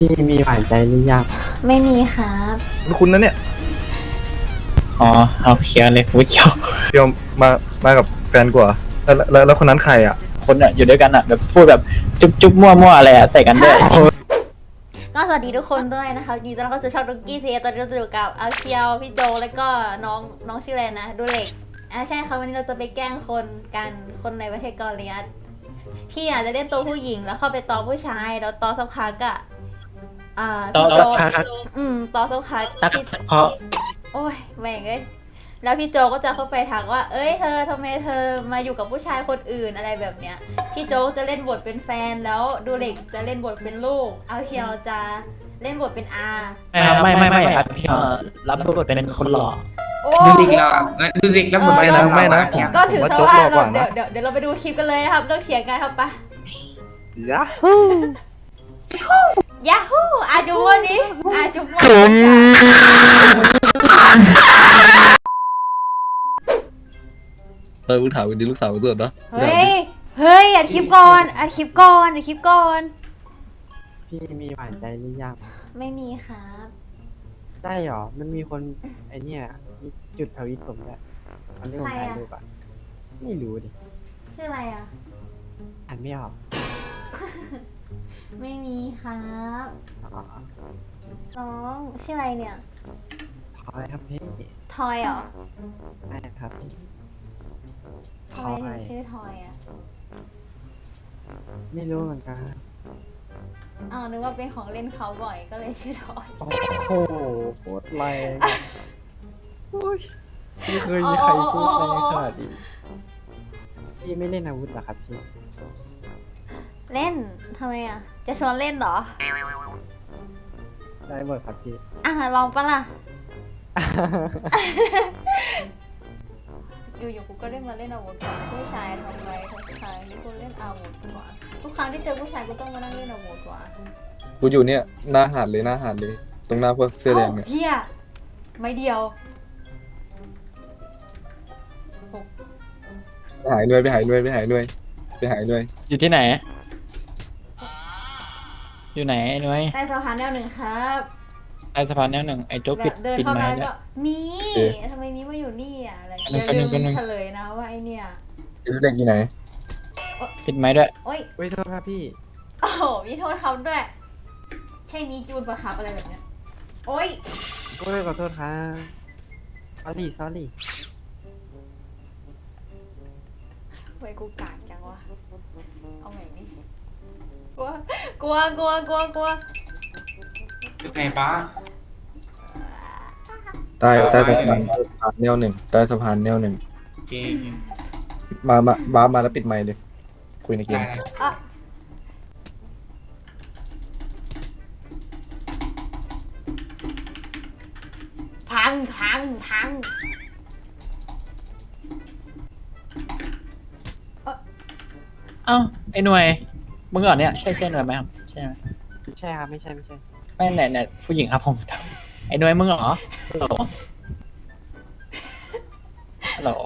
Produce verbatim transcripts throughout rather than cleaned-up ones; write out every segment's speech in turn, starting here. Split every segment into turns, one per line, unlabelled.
พี่มีหวานใจหรือยัง
ไม่มีครับ
คุณนะเนี่ย
อ๋อเอาเคลียร์เลยไม่เกี่ยว
เดี๋ยวมามากับแฟนกว่าแล้วแล้วแล้วคนนั้นใครอ่ะ
คนอ่ะอยู่ด้วยกันอ่ะแบบพูดแบบจุ๊บจุ๊บมั่วมั่วอะไรอ่ะใส่กันด้วย
ก็สวัสดีทุกคนด้วยนะคะยินดีต้อนรับเข้าสู่ช่องดุกกี้ซีตอนนี้เราจะอยู่กับอาเชียวพี่โจแล้วก็น้องน้องชื่ออะไรนะดูเล็กอ่าใช่ค่ะวันนี้เราจะไปแกล้งคนกันคนในประเทศเกาหลีพี่อาจจะเล่นตัวผู้หญิงแล้วเข้าไปต่อผู้ชายแล้วต่อสักพักอะอ่า
ต่อ
พี่โจ
สักพัก
อืมต่อสักพัก
ตัก
พี่
เพราะ
โอ้ยแม่งเอ้ยแล้วพี่โจก็จะเข้าไปถามว่า เอ้ยเธอทำไมเธอมาอยู่กับผู้ชายคนอื่นอะไรแบบเนี้ยพี่โจจะเล่นบทเป็นแฟนแล้วดูเล็กจะเล่นบทเป็นลูกเอาเชียวจะเล่นบทเป็นอา
ไม่ไม่ไม่ครับพี่รับบทเป็นคนหล่อ
โอ้
ดูดิกเราดูดิกแล้วหมดไปแล้ว
ไม่นะ
เพียง
ก็ถือ
ผม
ซะ
ว่า
ว่า
โจ๊กหล่อกว่า
เรา
นะ
เดี๋ยวเดี๋ยวเดี๋ยวเราไปดูคลิปกันเลยนะครับเลิกเถียงกันครับปะ
ยะ
ยาฮูอาจูวันนี้อาจูวัน
เออมึงถามวันนี้ลูกสาวมึงสดเนาะ
เฮ้ยเฮ้ยอัดคลิปก่อนอัดคลิปก่อนอัดคลิปก่อน
พี่มีหวานใจหรือยัง
ไม่มีครับ
ได้หรอมันมีคนไอเนี่ยมีจุดทวิตผมด้วยเขาเรียกผมถ่ายรูปอ่ะไม่รู้ดิ
ชื่ออะไรอ่ะ
อ่านไม่ออก
ไม่มีครับ
อ๋อ
น้องชื่ออะไรเนี่ย
ทอยครับพี่
ทอยเหรอ
ได้ครับพี่ท
ทำ
อ
ไมถึ
ย
งชื่อทอยอ่ะ
ไม่รู้เหมือนกัน
อ้าวนึกว่าเป็นของเล่นเขาบ่อยก็เลยชื่อทอย
โอ้โหโคตรแรงอะโอ้ยไม่เคยมีใครพูดแรงขนาดนี้พี่ไม่เล่นอาวุธเหรอครับพี่
เล่นทำไมอ่ะ จะชวนเล่นเหรอ
ได้หมดครับพี่
อ่ะลองปะล่ะ อยู่ๆกูก็ได้มาเล่นอาวุธกับผู้ชายทำไรทุกครั้งที่กูเล่นอาวุธกว่าทุกครั้งที่เจอผู้ชายกูต้องมานั่งเล่นอาวุธกว่า
กูอยู่เนี่ยหน้าหาดเลยหน้าหาดเลย ตรงหน้าพวกเสื้อแดงเนี่ย
เฮียไม่เดียวฟุก
ไปหายด้วยไปหายด้วยไปหายด้วยไปหายด้วย
อยู่ที่ไหน อยู่ไหนไอ้นุ้ย
ใต้สะพานแนวหนึ่งครับ
ไอ้สะพานแนวหนึ่งไอ้โจ๊ก
แบ
ปิด
บเดิน
ปิด
เข้า
ไม้
มาแล้ว
ด้วย
ก็มีทำไมมีมาอยู่นี่อ่ะอะไร
อัน
อ
นั้น
ย่าลืม
อันนั้น
เฉลยนะว่าไอเนี่ย
ไอ้เสื้อแดงอยู่ไหน
ปิดไม้ด้วย
โอ้ย
เว้ยโทษครับพี่
โอ้โหมีโทษเขาด้วย ใช่มีจูนปะครับอะไรแบบเนี้ยโอ้ย
โอ้ยขอโทษครับ sorry sorry
ไว้กูกากจังวะเอาใหม่นี่กลัวกลัวกลัวกลัวกลัว
อยู่ไหนป้า
ใต้ใต้สะพานใต้สะพานแนวหนึ่งใต้สะพานแนวหนึ่ง
โอเค
มามาบ้ามาแล้วปิดไมค์เลยคุยในเก
ได้
ม
อ่ะพังพังพัง
เอ้าไอ้หน่วยมึงเหรอเนี่ยใช่ใช่หน่วยไหมครับใช่ไหม
ไม่ใช่ครับไม่ใช่ไม่ใช่
ไม่ไหนไหนผู้หญิงครับผมถามไอ้หน่วยมึงเหรอฮัลโหลฮัลโหล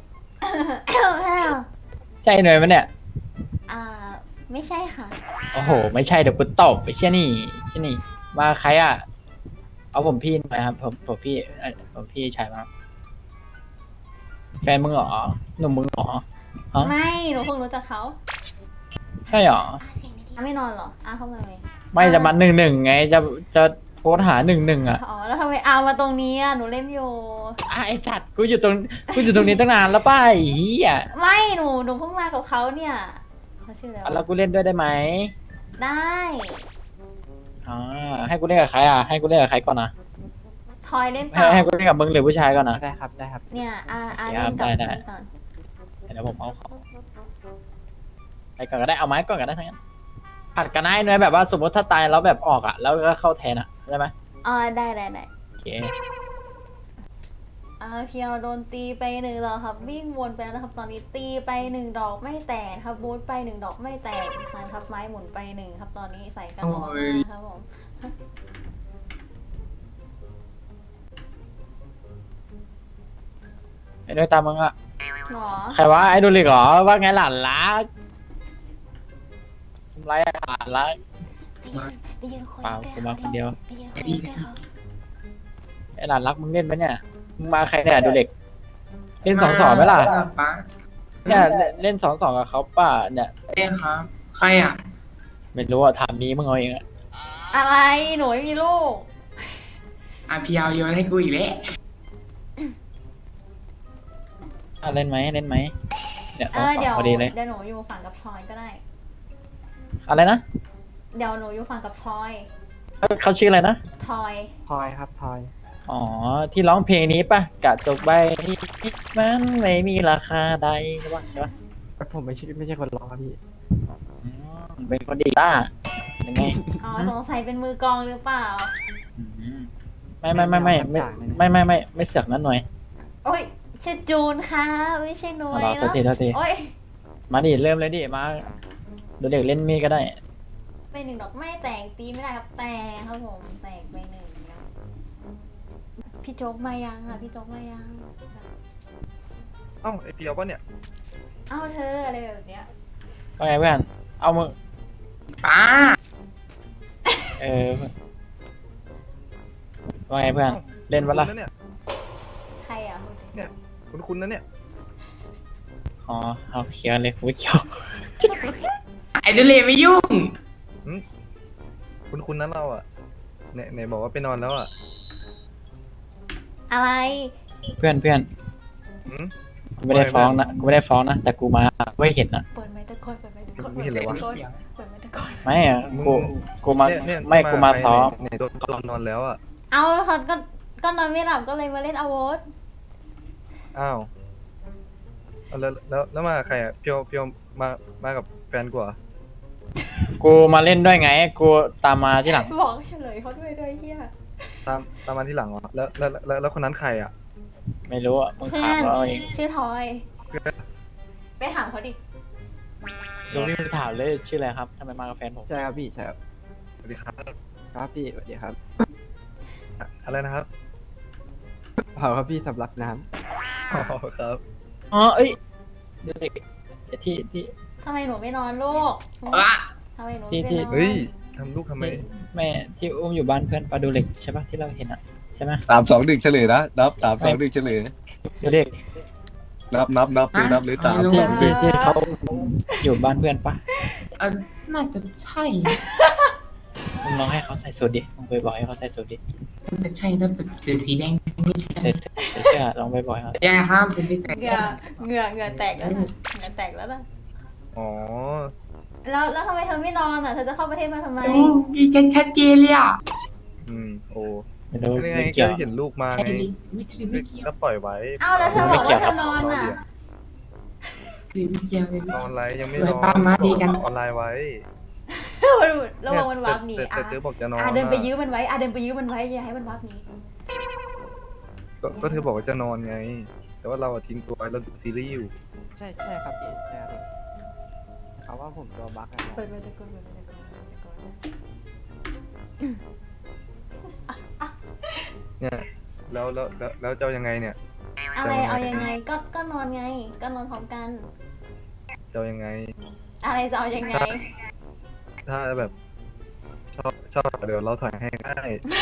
ใช่ไอ้หน่วยไหมเนี่ย
อ่าไม่ใช่ค่ะ
โอ้โห ไม่ใช่เดี๋ยวกูตบไปเชี่ยนี่เชี่ยนี่มาใครอ่ะ เอาผมพี่หน่อยครับ ผมผมพี่เอ่อผมพี่ชายมาแฟนมึงเหรอหนุ่มมึงเหรอฮะ
ไม่หนูเพิ่งรู้จักเขา
ใช่เหรอ
อ่ะไม่นอนเหรออ่ะเข้ามาไหม
ไม่จะมาหนึ่งหนึ่งไงจะจะโพสหาหนึ่งหนึ่งอ่ะ
อ๋อแล้วทำไมเอามาตรงนี้อ่ะหนูเล่นอยู่
อ่ะไอสัตว์กูอยู่ตรงกูอยู่ตรงนี้ตั้งนานแล้วป้าไอ้เหี้ย
ไม่หนูหนูเพิ่งมากับเขาเนี่ยเขาชื่ออะไร
อ่ะแล้ว
วะ
กูเล่นด้วยได้ไหม
ได้
อ๋อให้กูเล่นกับใครอ่ะให้กูเล่นกับใครก่อนนะ
ทอยเล่นเป
ให้
ล่า
ให้กูเล่นกับมึงหรือผู้ชายก่อนนะ
ได้ครับได้ครับ
เนี่ยอาอา
ได้
เล่นกับ
ได้
นี่ก่อน
เดี๋ยวผมเอาของไปก่อนก็ได้เอาไม้ก่อนก็ได้ทั้งนั้นผัดกันให้เนื้อแบบว่าสมมติถ้าตายแล้วแบบออกอ่ะแล้วก็เข้าแทนอ่ะได้ไหม
อ๋อได้ได้ได้
โอเค
อ่าเพียวโดนตีไปหนึ่งดอกครับวิ่งวนไปแล้วนะครับ ตอนนี้ตีไปหนึ่งดอกไม่แตกครับบูทไปหนึ่งดอกไม่แตกคานทับไม้หมุนไปหนึ่งครับตอนนี้ใส่กันหมดนะครับผม
ไอ้ด้วยตามมึงอ่ะ
หรอ
ใครวะไอ้ดูลิกเหรอว่าไงหลานรักทำไรอะหลานรัก
ตีไปยืนคน
เปล่า
ใกล้
กูมาคนเดียว
ไปยืนคนใกล้เขา
ไอ้หลานรักมึงเล่นปะเนี่ยมึงมาใครเนี่ยดูเด็ก เล่นสองสองไหมล่ะ
ป้า
เนี่ยเล่นสองสองกับเขาป่ะเนี่ย
เอ้ครับ ใครอ่ะ
ไม่รู้อ่ะถามนี้มึงเอาเองอะ
อะไรหนูไม่มีลูก
อาพีเอาโยนให้กูอีกแล้ว
อ่ะเล่นไหมเล่นไหมเนี่ยส
เอ
อง
อ
สอ
เดี๋ย
ง
ว
พอดีเลย
เดี๋ยวหนูอยู่ฝั่งกับทอยก็ได้
อะไรนะ
เดี๋ยวหนูอยู่ฝั่งกับทอย
เขาเขาชื่ออะไรนะ
ทอย
ทอยครับทอย
อ๋อที่ร้องเพลงนี้ป่ะกะจกใบนี้มันไม่มีราคาใดใช่ป่ะใช่ป่ะ
ผมไม่ใช่ไม่ใช่คนร้องครับพี่
อืมเป็นคนดีป่ะยังไง
อ๋อสงสัยเป็นมือกลองหรือเปล่า
อืมไม่ไม่ไม่ไม่ไม่ไม่ไม่ไม่ไม่เสือกนั้นหน่อย
โอ้ยชื่อจูนค่ะไม่ใช่หนุ้
เอา
ย
ล่ะตัว
เนาะ
ทีตัวที
โอ้ย
มาดิเริ่มเลยดิมาดูเด็กเล่นมีดก็ได้
ไปหนึ่งดอกไม่แตกตีไม่ได้ครับแตกครับผมแตกไปหนึ่งนะพี่โจ๊กมายังอ่ะพี่โจ๊กมายัง
เอ้าไอเปียวปะเนี่ย
เอ้าเธออะไรแบบเนี้ย
ว่าไงเพื่อนเอามึง
ป้า
เออว่าไงเพื่อนเล่นวะล่ะ
คุณเนี่ย
ใครอ่ะ
คุณคุณนะเนี่ย
อ๋อเอาเขียวเลยกูเขียว
ไอ้ดูเลยไม่ยุ่ง
คุณคุณนั้นเราอ่ะไหนไหนบอกว่าไปนอนแล้วอ่ะ
อะไร
เพื่อนเพื่อน
หืม
กูไม่ได้ฟ้องนะกูไม่ได้ฟ้องนะแต่กูมาไม่เห็นนะ
เปิดไมค์ตะโกนเปิดไมค์ตะโกน
ไม่เห็นเลยวะ
เปิดไมค์ตะโกนเปิดไมค์ตะโกน
ไม่อะกูกูมา
เนี่ยเนี่ย
ไม่กูมาซ้อม
ไหนโดนตอนนอนแล้วอ่ะ
เอาแล้วเขาก็ก็นอนไม่หลับก็เลยมาเล่นอาวุธ
อ้าวเอาแล้วแล้วแล้วมากับใครอ่ะเพียวเพียวมามากับแฟนกูเหรอ
กูมาเล่นด้วยไง กูตามมาที่หลัง
บอกเฉลยเขาด้วยด้วยเฮีย
ตามตามมาที่หลังเหรอแล้วแล้วแล้วแล้วคนนั้นใครอ่ะ
ไม่รู้อ่ะมึง
เพื่
ถา
อ
ม
น
เราเอง
ชื่อทอย
เพื่อน
ไปถามเขาดิ
ลุงนี่ถามเลยชื่ออะไรครับทำไมมากับแฟนผม
ใช่ครับพี่ใช่ครับ
สวัสดีครับ
ครับพี่สวัสดีครับ
อะอะไรนะครับ
เผาครับพี่สำลักน้
อ๋อครับ
อ๋อเอ้ยเด็กที่ที่
ทำไมหนูไม่นอนลูก
อ่ะ
ทำไมหนู
ที่
ไม่
ที่
นอน
เฮ้ยทำลูกทำไม
แม่ที่อุ้มอยู่บ้านเพื่อนปลาดูเหล็กใช่ปะที่เราเห็นอ่ะใช่ไหม
สามสองหนึ่งเฉลยนะนับสามสองหนึ่งเฉลย
ดูเด็ก
นับนับนับเลยนับเลยสามส
ที่
องหนึ่
ที่
ง
ที่เขาอยู่บ้านเพื่อนปะ
เออน่าจะใช่
มึงลองให้เขาใส่สูทดิมึงไปบอกให้เขาใส่สูทดิ
น่าจะใช่ถ้าเป็นเสื้อสีแดงไม่ใช่
ใส่ใส่เสื้อลองไปบอกให้เขา
ยาครับเป็นที่แต่
เหงื่อเหงื่อเหงื่อแตกแล้วนะเหงื่อแตกแล้วนะ
อ๋อ
แล้วแล้วทำไมเธอไม่นอนอ่ะเธอจะเข้าประเทศมาทำไม
ดูมีชัดชัดเจนเลยอ่ะ
อืมโอ้
ไม่รู้
ยังไง
ไม่
ก็
เกี่ยว
เห็นลูกมา
ไอ้
ไง
นี่ไม่ใช่ไม่เกี่ยว
ก็ปล่อยไว้
เอาแล้วเธอบอกว่าเธอนอนอ่ะ
ไม่เกี่ยวเลย
นอนไลน์ยังไม่
ไว้
นอน
ป้ามาดีกัน
ออนไลน์ไว้
ระวังมันวาร์ปหนี
แต่
อ่ะ
แต่เธอบอกจะนอน
อ่ะเดินไป
ะ
ยื้อมันไว้อ่ะเดินไปยื้อมันไว้อย่าให้มันวาร์ปหนี
ก็ก็เธอบอกว่าจะนอนไง แต่ว่าเราอะทิ้งตัวไว้เราดูซีรีส์อยู่
ำใช่ใช่ครับพี่ใช่ครับเขาว่าผมตัวบั๊กอะครับ
เปิดไมค์ตะโกนเปิดไมค์ตะโกนเปิดไมค์ตะโกน
เนี่ยแล้วแล้วแล้วแล้วจะเอายังไงเนี่ย
อะไรเอายังไงก็ก็นอนไง ก็นอนพร้อมกัน
จะเอายังไง
อะไรจะเอายังไง
ถ้าแบบชอบชอบเดี๋ยวเราถอยให้ได้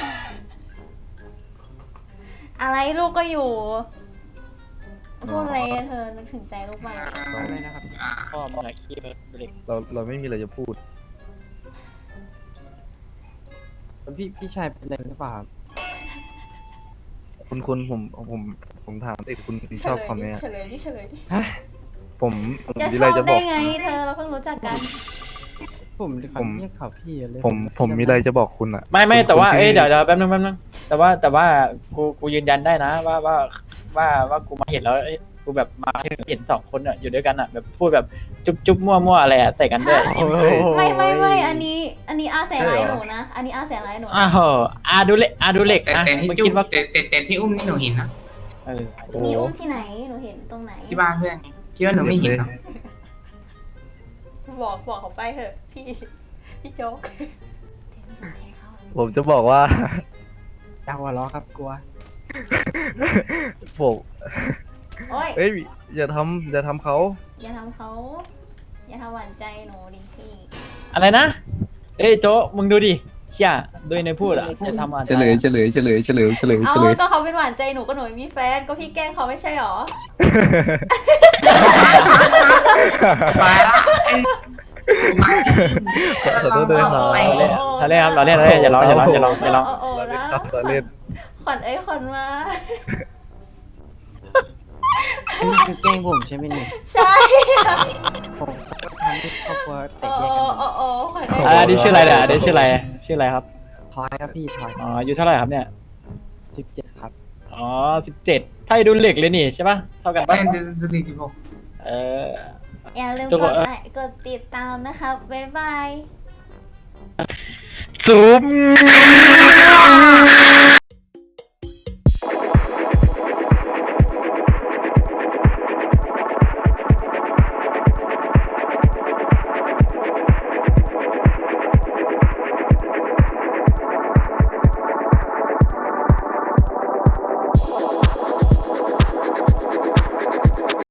อะไรลูกก็อยู่พูดอะไรเธอนึกถึงใจลูกบ้าง
อะไรนะครับ
พ่อมึงอะขี้ดูเด็ก
เราเราไม่มีอะไรจะพูด
พี่พี่ชายเป็นอะไรหรือเปล่าครับ
คุณคุณผมผมผมถามเอกคุณ
เฉ
ชอบ
ลย
คำ
ดิ
นี้
เฉลยดิเฉลยดิ
ผมผม
จะ
มี
ช
อะไร
อบ
จะบ
ได้
อก
ไงเธอเราเพิ่งรู้จักกัน
ผม
ผม
เรียกเขาพี่เลย
ผมผมมีอะไรจะบอกคุณอะ
ไม่ไม่
คุณ
แต่ว่า
คุณ
เอ้ย
ที่
เดี๋ยวเดี๋ยวแป๊บนึงแป๊บนึงแต่ว่าแต่ว่ากูกูยืนยันได้นะว่าว่าว่าว่ากูมาเห็นแล้วเอ้ยกูแบบมาเห็นสองคนอ่ะอยู่ด้วยกันอ่ะแบบพูดแบบจุ๊บจุ๊บมั่วมั่วอะไรอ่ะใส่กันด้วย
โอ้โห
ไม่ไม่ไม่อันนี้อันนี้อาแสร้ายหนูนะ อันนี้อาแสร้ายหนู
อ้าวอาดูเล็กอาดูเล็ก
แต่
นะ
แต่ที่
มึง
จุ๊
คิด
บ
ว่า
แต่แต่แต่ที่อุ้มนี่หนูเห็นนะ
เออ
โอ้
นี่อุ้มที่ไหนหนูเห็นตรงไหน
ที่บ้านเพื่อนคิดว่าหนูไม่เห็นเหรอ
บอกบอกเขาไปเถอะพี่พี่โจ๊ก
ผมจะบอกว่า
อยากหัวเราะครับกลัว
ผม
โอ้ย
เอ้ยอย่าทำอย่าทำเขา
อย่าทำเขาอย่าทำหวานใจหนูดิพี่
อะไรนะเอ้ยโจ๊ะมึงดูดิเชี่ยโดยในพูดอ่ะจะทำอะไร
เฉลยเฉลยเฉลยเฉลยเฉลยเฉ
เอา
ลย
ก็เขาเป็นหวานใจหนูก็หนูไม่มีแฟนก็พี่แกล้งเขาไม่ใช่หรอ
ไปละไอ้มา
ขอโทษด้วยครับ
โอ้
เราเล่นเราเล่นครับเราเล่นเราเล่นอย่าร้องอย่าร้องอย่าร้องอย่าร้อง
โอ้โอ้นะ
เราเล่น
ขวัญเอ้ยขวัญมา
นี่คือแกล้งผมใช่ไหมเนี่ย
ใช่
ผมทำให้ครอบครัวแต
โอ้
กแยกกัน
โอ้โอ้ขวัญเอ้ย
อ่านี่ชื่ออะไรเนี่ยนี่ชื่ออะไรชื่ออะไรครับ
ทอยครับพี่ทอย
อ๋ออายุเท่าไหร่ครับเนี่ย
สิบเจ็ดครับ
อ๋อสิบเจ็ดไพ่ดูเหล็กเลยนี่ใช่ปะเท่ากัน
แฟ
ปะ
นจะดีจิบหก
เออ
อย่าลืม
ทุก
ก
คน
ดไลค์กดติดตามนะครับบ๊ายบาย
ซูม